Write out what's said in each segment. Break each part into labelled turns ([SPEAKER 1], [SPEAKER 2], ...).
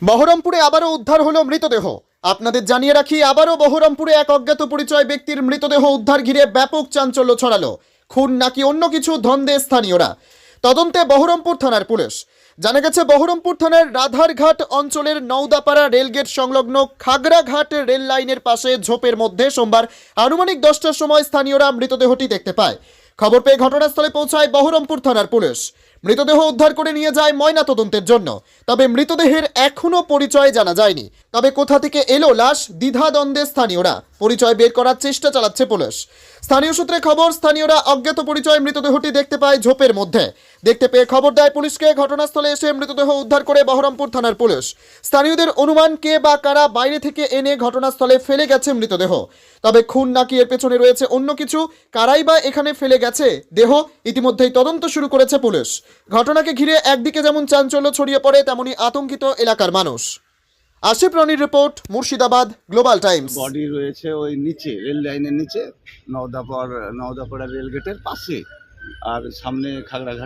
[SPEAKER 1] বহরমপুরে আবারও উদ্ধার হলো মৃতদেহ। আপনাদের জানিয়ে রাখি, আবারও বহরমপুরে এক অজ্ঞাত পরিচয় ব্যক্তির মৃতদেহ উদ্ধার ঘিরে ব্যাপক চাঞ্চল্য ছড়ালো। খুন নাকি অন্য কিছু ধন্দে স্থানীয়রা। তদন্তে বহরমপুর থানার পুলিশ। জানা গেছে, বহরমপুর থানার রাধারঘাট অঞ্চলের নওদাপাড়া রেলগেট সংলগ্ন খাগড়াঘাট রেল লাইনের পাশে ঝোপের মধ্যে সোমবার আনুমানিক 10টার সময় স্থানীয়রা মৃতদেহটি দেখতে পায়। খবর পেয়ে ঘটনাস্থলে পৌঁছায় বহরমপুর থানার পুলিশ। মৃতদেহ উদ্ধার করে নিয়ে যায় ময়না তদন্তের জন্য। তবে মৃতদেহের এখনো পরিচয় জানা যায়নি। তবে কোথা থেকে এলো লাশ, দ্বিধাদ্বন্দ্বে স্থানীয়রা। পরিচয় বের করার চেষ্টা চালাচ্ছে পুলিশ। স্থানীয় সূত্রে খবর, স্থানীয়রা অজ্ঞাত পরিচয় মৃতদেহটি দেখতে পায় ঝোপের মধ্যে। দেখতে পেয়ে খবর দেয় পুলিশকে। ঘটনাস্থলে এসে মৃতদেহ উদ্ধার করে বহরমপুর থানার পুলিশ। স্থানীয়দের অনুমান, কে বা কারা বাইরে থেকে এনে ঘটনাস্থলে ফেলে গেছে মৃতদেহ। তবে খুন নাকি এর পেছনে রয়েছে অন্য কিছু, কারাই বা এখানে ফেলে গেছে দেহ, ইতিমধ্যেই তদন্ত শুরু করেছে পুলিশ। ঘটনাকে ঘিরে একদিকে যেমন চাঞ্চল্য ছড়িয়ে পড়ে, তেমনি আতঙ্কিত এলাকার মানুষ। আশিফ রনির রিপোর্ট, মুর্শিদাবাদ গ্লোবাল টাইমস।
[SPEAKER 2] বডি রয়েছে ওই নিচে, রেল লাইনের নিচে, নওদাপাড়া রেলগেটের পাশে। আর সামনে খাগড়াঘাট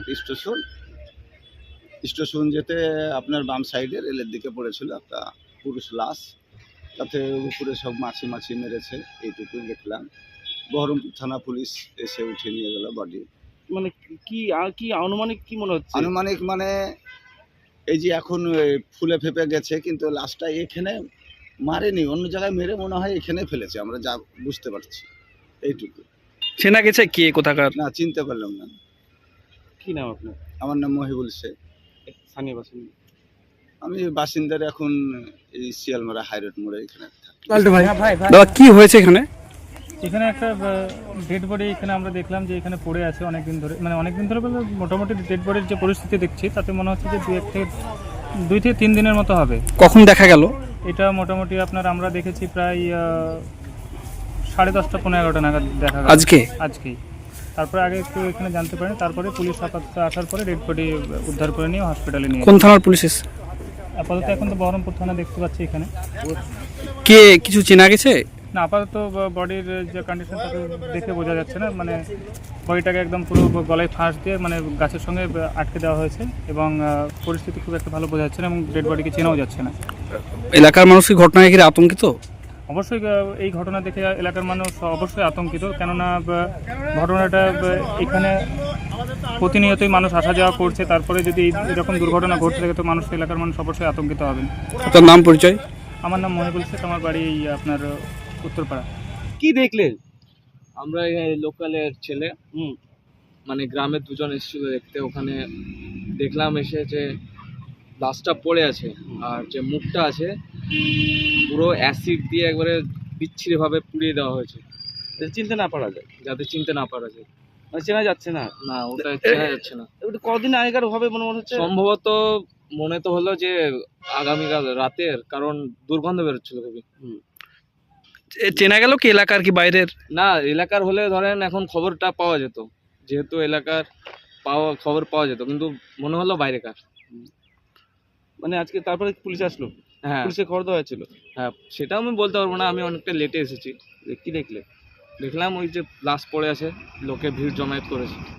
[SPEAKER 2] স্টেশন যেতে আপনার বাম সাইডে রেলের দিকে পড়েছিল একটা পুরুষ লাশ। তাতে উপরে সব মাছি মেরেছে, এইটুকুই দেখলাম। বহরমপুর থানা পুলিশ এসে উঠে নিয়ে গেল বডি।
[SPEAKER 3] মানে কি আনুমানিক কি মনে হচ্ছে?
[SPEAKER 2] আনুমানিক মানে এই যে এখন ফুলে ফেপে গেছে, কিন্তু লাশটা এখানে মারেনি, অন্য জায়গায় মেরে মনে হয় এখানে ফেলেছে, আমরা যা বুঝতে পারছি এইটুকু।
[SPEAKER 4] চেনা গেছে কে কোথাকার?
[SPEAKER 2] না, চিনতে পারলাম না।
[SPEAKER 3] কি নাম আপনার?
[SPEAKER 2] আমার নাম মহিবুল শেখ।
[SPEAKER 3] স্থানীয় বাসিন্দা?
[SPEAKER 2] আমি বাসিন্দার এখন এই শিয়ালমারা হাইরোড মোড়ে এখানে থাকি।
[SPEAKER 4] দাদা, কি হয়েছে এখানে?
[SPEAKER 5] এখানে একটা ডেড বডি এখানে আমরা দেখলাম যে এখানে পড়ে আছে অনেকদিন ধরে, মানে অনেকদিন ধরে বলতে মোটামুটি ডেড বডির যে পরিস্থিতি দেখছি তাতে মনে হচ্ছে যে 2 থেকে 3 দিনের মতো হবে।
[SPEAKER 4] কখন দেখা গেল?
[SPEAKER 5] এটা মোটামুটি আমরা দেখেছি প্রায় 10:30 পৌনে 11টা নাগাদ দেখা গেল। আজকেই। তারপরে আগে একটু এখানে জানতে পারেন, তারপরে পুলিশ আপাতত আসার পরে ডেড বডি উদ্ধার করে নিয়ে হসপিটালে নিয়ে।
[SPEAKER 4] কোন থানার পুলিশ এসে?
[SPEAKER 5] আপাতত এখন তো বহরমপুর থানা দেখতে পাচ্ছি এখানে।
[SPEAKER 4] কে কিছু চেনা গেছে?
[SPEAKER 5] না, আপাতত বডির যে কন্ডিশন তাকে দেখে বোঝা যাচ্ছে না। মানে বডিটাকে একদম পুরো গলায় ফাঁস দিয়ে মানে গাছের সঙ্গে আটকে দেওয়া হয়েছে এবং পরিস্থিতি খুব একটা ভালো বোঝা যাচ্ছে না এবং ডেড বডিকে চেনাও যাচ্ছে না।
[SPEAKER 4] এলাকার মানুষ কি ঘটনায় ঘিরে আতঙ্কিত?
[SPEAKER 5] অবশ্যই এই ঘটনা দেখে এলাকার মানুষ অবশ্যই আতঙ্কিত, কেননা ঘটনাটা এখানে প্রতিনিয়তই মানুষ আসা যাওয়া করছে। তারপরে যদি এরকম দুর্ঘটনা ঘটতে থাকে তো এলাকার মানুষ অবশ্যই আতঙ্কিত হবেন।
[SPEAKER 4] আপনার নাম, পরিচয়?
[SPEAKER 5] আমার নাম মহিবুল শেখ, আমার বাড়ি আপনার উত্তরপাড়া।
[SPEAKER 3] কি দেখলেন?
[SPEAKER 6] আমরা এই লোকালের ছেলে, মানে গ্রামের দুজন এসেছিল দেখতে। ওখানে দেখলাম এসে যে লাশটা পড়ে আছে, আর যে মুখটা আছে পুরো অ্যাসিড দিয়ে একবারে বিচ্ছিরিভাবে পুড়িয়ে দেওয়া হয়েছে,
[SPEAKER 3] চিনতে না পারা যায়,
[SPEAKER 6] যাতে চিনতে না পারা যায়।
[SPEAKER 3] মানে চেনা যাচ্ছে না।
[SPEAKER 6] না, ওটা চেনা যাচ্ছে না।
[SPEAKER 3] ওটা কদিন আগেকার হবে মনে হচ্ছে।
[SPEAKER 6] সম্ভবত মনে তো হলো যে আগামীকাল রাতের, কারণ দুর্গন্ধ বেরোচ্ছিল খুবই।
[SPEAKER 4] চেনা গেল কি এলাকার কি বাইরের?
[SPEAKER 6] না, এলাকার হলে ধরেন এখন খবরটা পাওয়া যেত, যেহেতু এলাকার খবর পাওয়া যেত, কিন্তু মনে হলো বাইরেকার।
[SPEAKER 3] মানে আজকে তারপরে পুলিশ আসলো?
[SPEAKER 6] হ্যাঁ,
[SPEAKER 3] পুলিশে খবর দেওয়া হয়েছিল?
[SPEAKER 6] হ্যাঁ, সেটাও আমি বলতে পারবো না, আমি অনেকটা লেটে এসেছি।
[SPEAKER 3] কি দেখলে?
[SPEAKER 6] দেখলাম ওই যে লাশ পড়ে আছে, লোকে ভিড় জমায়েত করেছে।